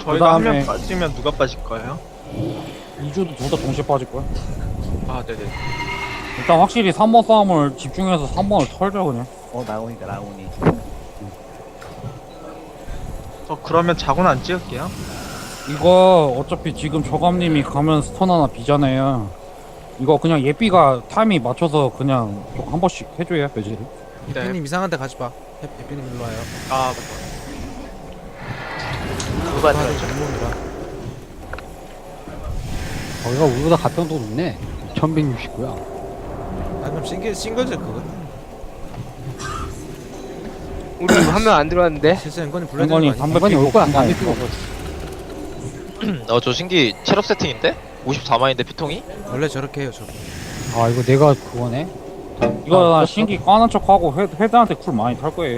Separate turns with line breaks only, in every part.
저희가 한 명
그다음에
빠지면 누가 빠질 거예요?
2주도 둘 다 동시에 빠질 거야.
아 네네.
일단 확실히 3번 싸움을 집중해서 3번을 털자 그냥.
나오니까 나오니.
그러면 자고는 안 찍을게요.
이거 어차피 지금 저감님이 가면 스턴 하나 비잖아요. 이거 그냥 예삐가 타이밍 맞춰서 그냥 한 번씩 해줘야 매질을.
해피님 이상한 데 가지 마. 해피님 일로 와요.
아
누가
아, 전문이라.
거기가 우리보다 가평도 높네. 1169야.
아 그럼 싱글즈 그거.
우리 한 명 안 들어왔는데.
실수 앵건이 불러야
앵건이
되는 거 아니야?
담배
앵건이
피고
올 거야,
간다고.
담배 피고.
저 신기 체력 세팅인데? 54만인데 피통이?
원래 저렇게 해요 저거.
아, 이거 내가 그거네.
이거 나
아,
신기 까는 척하고 헤드한테 쿨 많이 탈 거예요.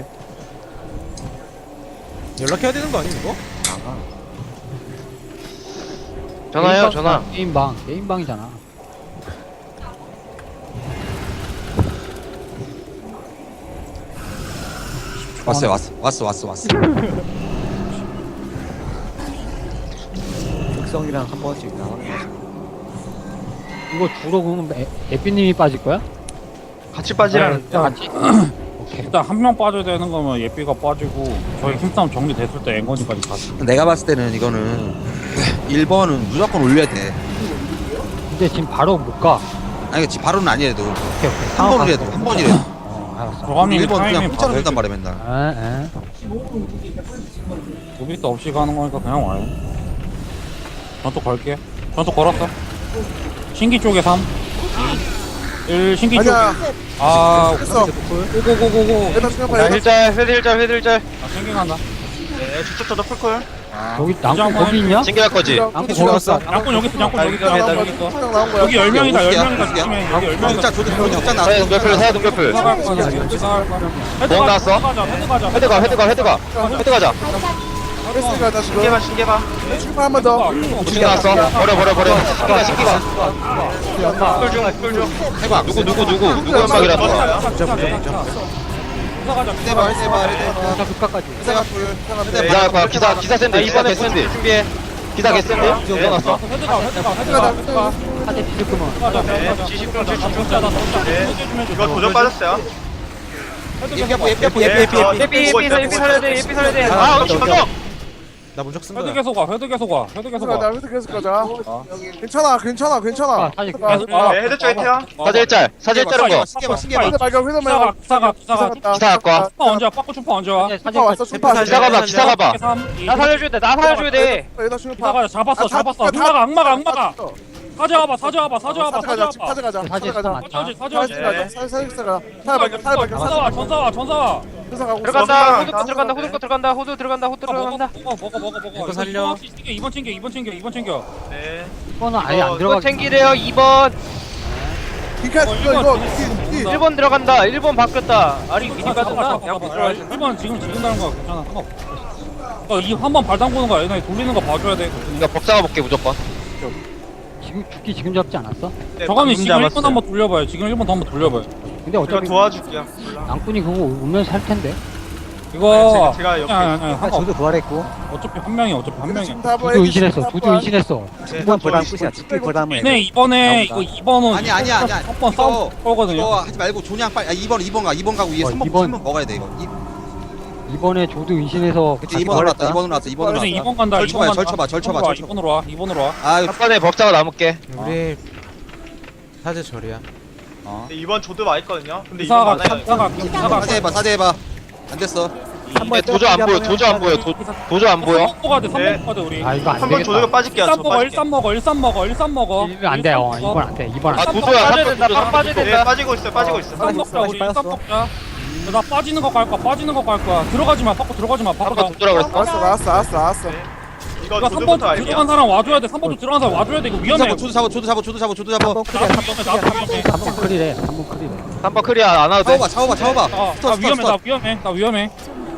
연락해야 되는 거 아니 이거?
전화해요,
게임방,
전화.
게임방이잖아.
왔어.
특성이랑 한 번씩 나와.
이거 주로 그러면 에피님이 빠질 거야?
같이 빠지라는.
같이?
일단 한 명 빠져야 되는 거면 예삐가 빠지고 저희 힘싸움 정리됐을 때 앵건이까지 가지.
내가 봤을 때는 이거는 1번은 무조건 올려야 돼.
근데 지금 바로 못 가.
아니 지금 바로는 아니래도
오케이.
한 번이라도 한 번이라도
알았어.
저감님이
1번 그냥
타이밍
공짜로
봐서
준단 말이야 맨날.
무비도 없이 가는 거니까 그냥 와요. 전투 걸게. 전투 걸었어. 신기 쪽에 3 1 신기 쪽에 고고고고고
야, 힐짤, 회딜짤.
신기 간다.
네, 저도 풀콜.
여기
이제 한번
거기 있냐?
신기할 거지?
양코 거기 왔어.
양꾼 여기 있어 양꾼 여기 있어
여기
여기 있어 여기 10명이다 10명이다 조심해 여기 10명이다
진짜 조디 확장 나왔어.
사야 동결풀, 사야 동결풀.
기사갈 거야 기사갈 거야
뭐 나왔어?
헤드 가자
헤드 가자.
신기해봐.
무슨 나왔어? 버려. 신기가.
꿀중.
해봐. 누구 연막이라도.
해봐.
자, 극가까지.
기사 거야. 기사 샌드. 이번에 샌드. 준비해. 기사 개샌드. 일어났어.
헤드 가
하대 뒤졌구만.
가자
네,
가자
70분
네
이거 도전 빠졌어요.
예삐 살려야 돼.
아, 그렇지 맞아.
나 문적 쓴
헤드
거야.
계속 와 헤드 계속 와
계속 가자. 괜찮아.
사실
네, 헤드 쪽에 태워.
사질짤은 거.
신기해봐.
발견.
기사가
기사 갖고 와.
추파 언제 와 빠꾸 추파 언제 와
슈퍼 왔어. 슈퍼.
기사 가봐.
나 살려줘야 돼.
여기다 슈퍼.
기사가 잡았어 악마가 사져와봐
가자.
전사와
들어간다. 호두 들어간다.
먹어
살려.
2번 챙겨
네.
이거는 아예 안
이거
들어가.
챙기래요. 2번.
이거
1번 들어간다. 1번 바뀌었다. 아니 미니 빠졌나? 양보 들어가야
1번 지금 가는 거 괜찮아 상관없어 이 한 번 발 담그는 거 얘네 돌리는 거 봐줘야 돼
이거 법사가 볼게 무조건.
지금 죽기 지금 잡지 않았어?
저감이 지금 1번 한번 돌려봐요 지금 1번 더 한번 돌려봐요
근데
제가
어차피
도와줄게요.
양꾼이 그거 오면서 할 텐데.
이거
제가 옆에
상관없어
저도 부활했고.
어차피 한 명이
두두 인신했어.
이번 부담 끝이야. 죽기 부담을.
네 이번에 이거 2번은
아니야.
한번 싸움 거거든요
이거 하지 말고 존양 빨리 2번 가고 위에 3번 먹어야 돼 이거.
이번에 조드 인신해서
그치 2번 올랐다. 2번 올랐어. 2번
그래서
올랐어.
2번 간다
절쳐봐.
2번으로 와
아 이거
한 번에 법사가 남을게.
우리 사제 절이야.
이번 조드 와 있거든요. 근데
기사가
이번 많아요.
사대 해봐. 안 됐어.
도저 안 보여. 도저 안 보여.
3번 가야 돼 3번 가야 돼 우리
아 이거 안
3번
되겠다.
조드가 빠질게요. 저
13 먹어
빠질게요.
13 먹어 13 먹어
이거 안 돼. 이번 안 돼. 이번 안
아
돼.
도저야.
빠져야 된다. 빵 빠져야
네,
된다.
빠지고 있어.
13 먹자 우리 13 먹자 나 빠지는 거 갈 거야 들어가지 마 바꿔 들어가지 마 바꿔
한번 도저라 그랬어.
알았어.
이거
이거
조드부터
3번
알게요.
들어간 사람 와줘야 돼 3번도 들어간 사람 와줘야 돼 이거 위험해
조드 잡아.
한번 크리야.
나도 위험해
한번 클리래. 한번 클리래.
한번 클리어 안 와도 돼.
차워봐.
나 위험해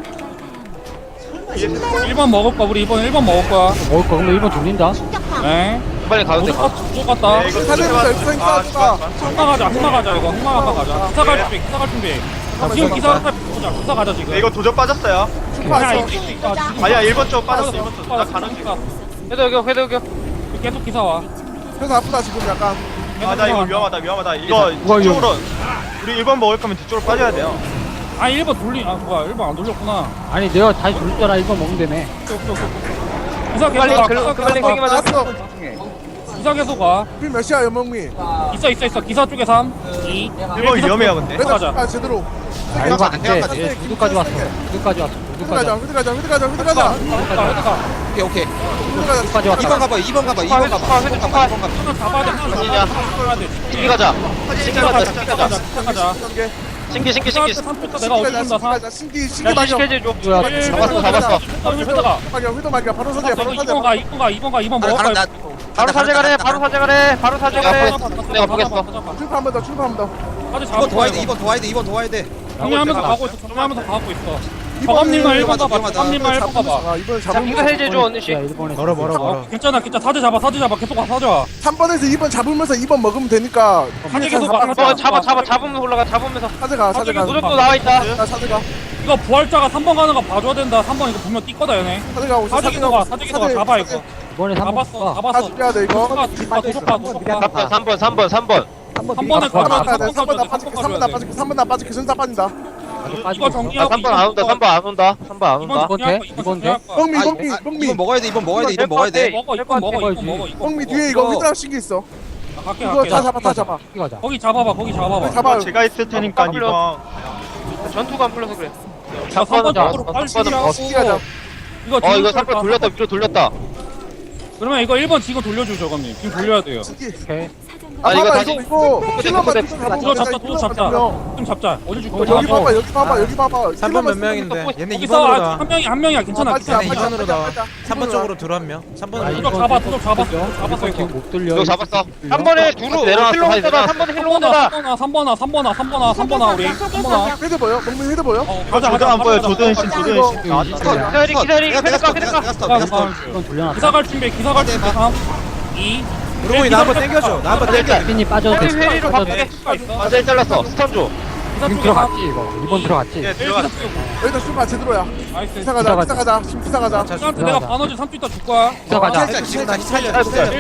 1번 먹을 거야 우리 1번 먹을 거야
먹을 거 그러면 1번 돌린다.
네
빨리 가도 돼.
쭉 갔다
네, 이거
흑마 가자 이거 흑마 가자 기사 갈 준비 기사 가자 지금
네, 이거 도저 빠졌어요.
출파했어.
아니야 1번 쪽 빠졌어 1번 쪽나 가는 중
회도
계속 기사 와.
그래서 아프다 지금 약간.
아 나 이거 위험하다 이거 뒤쪽으로 우리 1번 먹을 거면 뒤쪽으로 빠져야 돼요
아 1번 돌리 아 뭐야 1번 안 돌렸구나.
아니 내가 다시 돌렸잖아. 이거 먹으면 되네.
기사 계속
빨리
가.
빨리 세게 맞아.
나왔어.
기사 계속 가.
비 몇이야 연명미.
있어. 기사 쪽에 3, 2.
1번 위험해요 근데
레드
가자.
출파 제대로.
아 이거 안 돼. 얘 구두까지 왔어. 구두까지 왔어.
휘드 가자. 휘드 가자.
오케이 오케이
휘드 가자.
구두까지 왔다.
2번 가봐 2번 가봐 2번 가봐
회도 총파.
하나 잡아야 돼. 하나
아니냐.
잡아야 돼.
신기 가자. 신기 가자.
가자.
단계.
신기.
내가 어떻게 다
신기
야,
막여.
시켜줘 줘.
구두야.
잡았어.
휘드 막여. 바로 서재. 바로 서재.
2번 먹어.
바로 사제가래. 바로 사제가래.
내가 보겠어.
출파 한번 더. 출파 한번 더.
2번 도와야 돼 2번 도와야 돼
정리하면서 가고 있어. 정리하면서 가고 있어.
이번
저감님만 1번 가봐.
위험하다.
저감님만 1번 가봐.
아 이번
자,
잡으면
이거 해제줘 언니씨.
야 일본에.
멀어.
괜찮아. 사제 잡아. 계속 가. 사제 와.
3번에서 2번 잡으면서 2번 먹으면 되니까.
사제 계속 가.
잡으면서 올라가. 잡으면서.
사제가.
무적도 나와 있다.
자 사제가.
이거 부활자가 3번 가는 거 봐줘야 된다. 3번 이거 분명 뛸 거다 얘네.
사제가 오세요.
사제 계속 가. 잡아 이거.
이번에 3번
잡았어.
다
잡았어.
죽여야 돼 이거.
도적가.
3번.
3번에
3번 나 빠질게. 3번 나 빠질게. 전사 빠진다.
이거 정리하고
3번 안 온다. 3번 안 온다. 3번 안 온다.
이번 돼? 이번 돼?
뻥미.
2번 먹어야 돼 2번 먹어야 돼
먹어 이거 먹어.
뻥미 뒤에 이거 휘드랑 신기 있어.
갈게
이거
갈게.
다 잡아.
가자.
거기 잡아봐.
잡아.
제가 있을 테니까
아,
2번
전투가 안 풀려서 그래.
3번 쪽으로 빨리
신기
신기하고
가자.
이거 3번 돌렸다. 위로 돌렸다.
그러면 이거 1번 지금 돌려줘 저감님. 지금 돌려야 돼요.
신기.
오케이.
아
이거
봐봐
다시-
이거 킬러만
도적 잡자. 좀 잡자. 어디 줄 거야?
여기 봐봐.
3번 몇 명인데? 얘네
거기
2번으로
싸워.
나와.
한 명이야. 괜찮아.
빠지자,
괜찮아.
얘네 2번으로 나와.
빠지자.
3번 쪽으로 들어 한 명. 3번으로
도적 잡아. 잡았어 이거.
지금 못 들려.
이거 잡았어.
3번에 두루
내려놨어,
힐러 온다.
내려놨어.
3번에 힐러 온다.
3번아 우리. 3번아.
헤드 보여? 멍미 헤드 보여?
조드 안 보여 조드는 신
기다리. 회드가.
이건 돌려놨다.
기사 갈 준비. 3, 2.
브로이 나 한번 땡겨줘. 나 한번 땡겨.
핀이 빠져도 돼.
회의로
빠져도 돼.
바꾸게.
완전히 잘랐어. 스턴 줘.
지금 들어갔지 이거. 2번 들어갔지.
예 들어갔어
여기다 슈파 제대로야.
나이스.
기사 가자. 지금 기사 가자.
기사한테 내가 바너지 3주 있다 줄 거야.
기사 가자.
지금 다시 살려.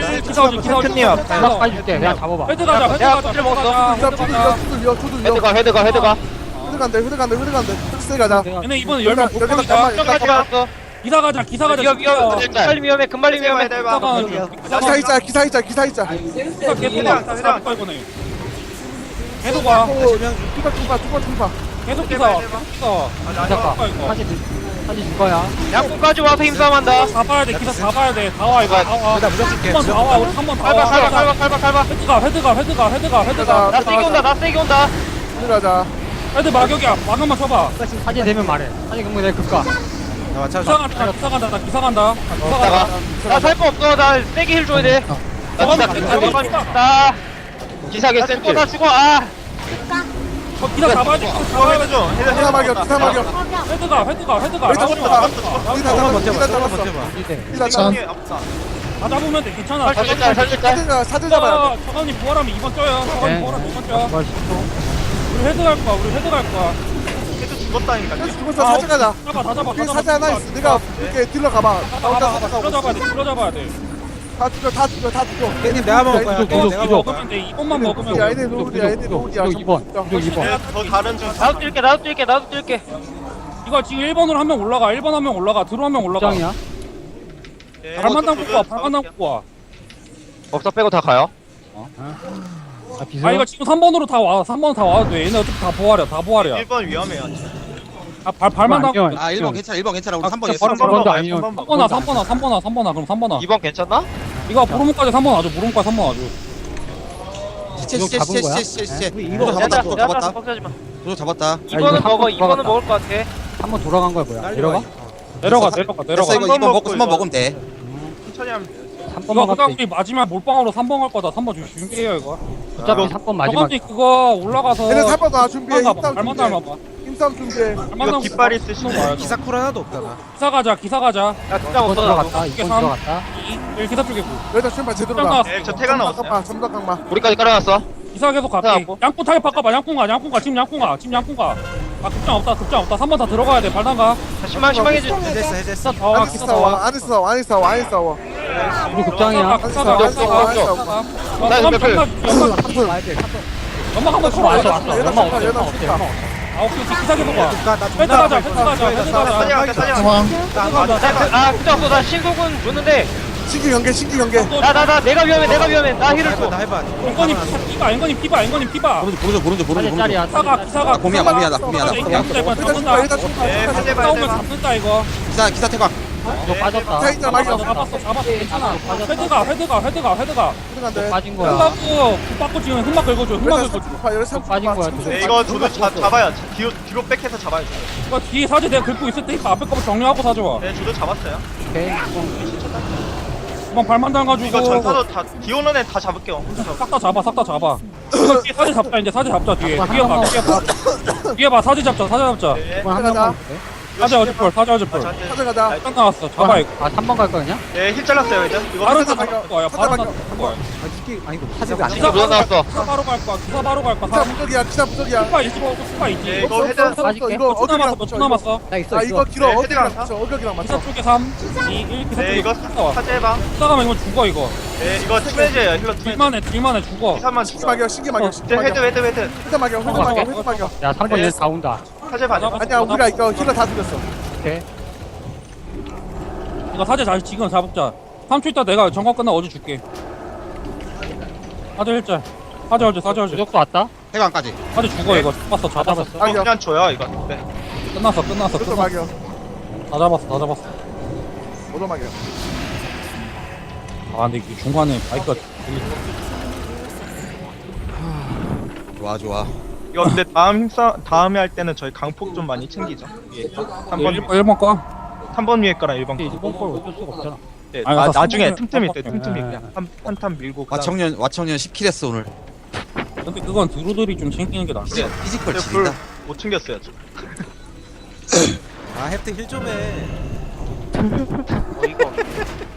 기사
연락까지 줄게. 그냥 잡아봐.
헤드 가자.
껍질 먹었어.
기사 조드
헤드가.
헤드 간대. 스 가자.
얘네 이번에 열명
여기다
복권이다.
가만.
끝까지 왔어.
기사 가자.
금발리 위험해. 금발리 위험해.
기사 가는 중.
기사 있자.
기사 계속 가. 기사 가 이거네. 계속 와.
투파.
계속 기사.
기사가. 사진 줄 거야.
양궁까지 와서 힘싸움한다.
잡아야 돼. 기사 잡아야 돼. 다 와 이거. 다 와.
나 무적 줄게.
한번 다 와. 우리 한번 다 와.
칼바.
헤드가.
나 세게 온다.
헤드 가자.
헤드 마격이야. 마감만 쳐봐.
사진 되면 말해. 사진 그러면 내가 급가.
나 맞춰.
기사 간다.
나 살 거 없어. 나 세게 힐 줘야 돼. 나
기사계 센트.
나 죽어. 아.
기사 잡아야 돼.
헤드 좀
기사 막여.
헤드가.
기사 잡았어.
이대.
기사 잡았어.
다 잡으면 돼. 괜찮아.
살릴까?
사제 잡아야 돼.
저감님 부활하면 2번 쪄요. 저감님 부활하면 2번 쪄.
뭘 10초.
우리 헤드 갈 거야.
헤드 죽었다니까
죽었어. 사제 가자.
다 잡아.
뒤에 사제 하나 있어. 내가 이렇게 딜러 가봐.
들어잡아야 돼.
다 죽여.
깻잎 내가 먹을 거야.
구독,
깻잎 내가
구독.
먹을 거야.
먹으면 돼. 2번만 먹으면
야,
돼.
얘네 노을이야.
구독 2번.
더 다른 중
나도 뛸게.
이거 지금 1번으로 한 명 올라가. 1번 한 명 올라가. 들어 한 명 올라가.
장이야?
발만당 뽑고 와.
법사 빼고 다 가요.
아 비서.
아 이거 지금 3번으로 다 와. 3번 다 와도 돼. 얘네 어차피 다 부활이야.
1번 위험해요
발만 당고.
아 1번 괜찮아 우리 3번
바로
있어
3번도 아니면
3번아. 그럼 3번아.
2번 괜찮나?
이거 보름까지 3번 와줘. 보름까지 3번 와줘.
시체
이거
잡았다 그거 잡았다
퍽사지 마.
그거 잡았다
2번은 먹어. 2번은 먹을 것 같아.
3번 돌아간 거야 뭐야? 내려가?
내려가.
됐어
내려가.
이거 2번 먹고 3번 먹으면 돼
천천히 하면 돼
3번만
이거
갔다.
우리 마지막 몰빵으로 3번 갈 거다. 3번 준비해요 이거.
어차피 3번 마지막.
저번에 그거 올라가서
얘네 3번 나 준비해.
발만 닮아봐.
힘싸움 준비해.
이거 깃발 있으시면
기사 쿨 하나도 없다 나.
기사 가자.
나 진짜
2번
없어.
들어갔다.
이게
2번
삼.
들어갔다.
1 기사 쪽에
여기다 춤바 제대로
가.
가.
저 태가 나왔어요
점덕강마.
우리까지 깔아놨어.
기사 계속 갈게.
하고.
양꾼 타겟 바꿔봐. 양꾼가. 지금 양꾼가. 아 급장 없다. 3번 다 들어가야 돼. 발단가.
신망해 주.
해제했어.
다 와.
안에
기사
싸워
와.
안에 싸워 안에 싸워 안에 싸워
우리 급장이야.
기사가.
안에 싸워 안에 싸워
나 이거 몇 표?
연막 한번 쳐봐.
왔어.
연합
연막
좋다,
없어.
연합 좋다.
아 오케이. 기사 계속 봐.
나
헤드 가자. 헤드 가자.
사냥 할게 사냥.
아 그때 없어. 나 신곡은 줬는데.
신규 연계
나 내가 위험해. 나 힐을 줘.
나 해봐.
앵건님 피봐.
보르죠.
기사가.
곰이야.
잡는다.
네 해제 봐
싸우면
해제 봐.
잡는다 이거.
기사 태광.
너 빠졌다.
타이자 막이
잡았어. 괜찮아. 헤드가.
들어간대
빠진 거야.
흑받고 지금 흑막 긁어줘.
빠진 거야.
네 이거 저도 잡아요. 뒤로 백해서 잡아요.
이거 뒤에 사제 내가 긁고 있을 테니까 앞에 거부터 정리하고 사줘와.
네 저도 잡았어요.
오케이.
이번 발만 담가주고.
이거 전사도 다 뒤오는 애 다 잡을게요.
싹 다 잡아. 이거 뒤에 사제 잡자 이제 사제 잡자 뒤에. 뒤에 봐 사제 잡자.
네.
이번 한 명만.
사제 어제펄.
저한테
가져가자
딱 나왔어. 잡아 이거.
아 3번 갈 거냐?
네힐 잘랐어요 이제. 이거
바로
사제
나
발견.
거야. 바로 나 거야.
아니 이거 화제가 안
기사 무전 나왔어.
기사 바로 갈 거야.
기사 부적이야
스파 있지.
네 이거 헤드.
빠질게.
이거
몇
어격이랑
초 남았어.
나 있어
아 이거 길어
네,
어격이랑
헤드랑
맞춰 어격이랑
기사
맞춰
쪽에 3, 2, 1 기사
네
쪽에
이거
기사
사제 해봐.
가면 이거 죽어 이거.
네 이거 투매제예요 힐러 투매제.
딜만해 죽어.
기사만
신기
죽여.
막이야 신기 막이야 신기
이제
막이야
헤드.
헤드 막이야
야 3번 얘 다 온다.
사제 봐줘.
아니야 우리가 이거 힐러 다 죽였어
오케이.
이거 사제 다시 지금 잡자. 3초 있다 내가 정관 끝나 어제 줄게. 사제 일자. 사제 어제.
무적도 왔다.
태광까지.
사제 죽어 이거. 잡았어.
잡았어.
이거 그냥 줘요 이거. 네.
끝났어.
그것도 막이야
다 잡았어.
오도 막이야
아 근데 이게 중간에 바이크가
좋아.
이거 근데 다음에 할 때는 저희 강폭 좀 많이 챙기죠. 위에 거.
1번 거.
3번 위에 거랑 1번 거.
이번 걸 어쩔 수가 없잖아.
네,
아니,
나중에
삼번은-
틈틈이 때
삼번
틈틈이
때.
그냥 한탄 밀고.
와청년 10킬 했어 오늘.
근데 그건 드루들이 좀 챙기는 게 낫지.
피지컬
근데
지린다.
못 챙겼어요. 저.
아 햅트 힐 좀 해.
이거